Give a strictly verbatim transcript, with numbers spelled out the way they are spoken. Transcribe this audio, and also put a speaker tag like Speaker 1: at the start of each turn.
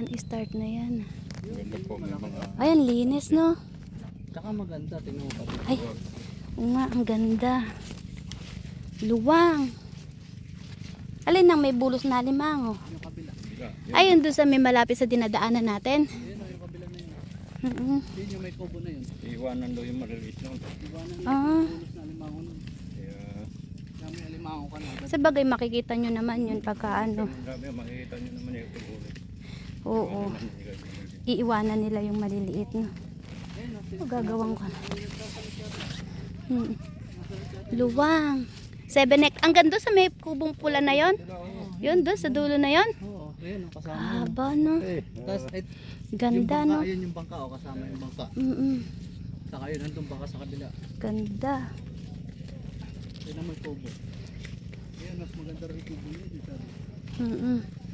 Speaker 1: Yan, start na yan.
Speaker 2: Ganda po, may mga...
Speaker 1: Ayan, linis, no?
Speaker 3: Tsaka maganda, tingnan mo pati.
Speaker 1: Ay, oo nga, ang ganda. Luwang. Alin ang may bulos na limango?
Speaker 3: Yung kabila.
Speaker 1: Ayun, doon sa may malapit sa dinadaanan natin.
Speaker 3: Ayun, yung kabila na yun.
Speaker 1: Mm-mm.
Speaker 3: Yun yung may kubo na yun.
Speaker 2: Iwanan daw yung mariliit nun.
Speaker 3: Iwanan na
Speaker 1: Ah.
Speaker 3: yung pulos na alimango nun.
Speaker 2: Kaya...
Speaker 3: Dami alimango ka na.
Speaker 1: Sa bagay, makikita nyo naman yun pagka ano.
Speaker 2: Grabe, makikita nyo naman yung tubulit.
Speaker 1: Oo. Iiwanan nila yung maliliit, no? O, gagawin ko na. Hmm. Luwang. Seven neck. Ang ganda sa may kubong pula na yon. Yun, doon sa dulo na yon.
Speaker 3: Oo, ayun, ang kasama yun.
Speaker 1: Haba, no?
Speaker 3: Eh, tas, ay,
Speaker 1: Ganda,
Speaker 3: yung bangka,
Speaker 1: no?
Speaker 3: ayun yung bangka, o kasama yung bangka.
Speaker 1: Mm-mm.
Speaker 3: Saka yun, nandun bangka sa kabila.
Speaker 1: Ganda.
Speaker 3: Ayun naman kubo. Ayun, mas maganda rin yung kubo yun.
Speaker 1: Mm-mm.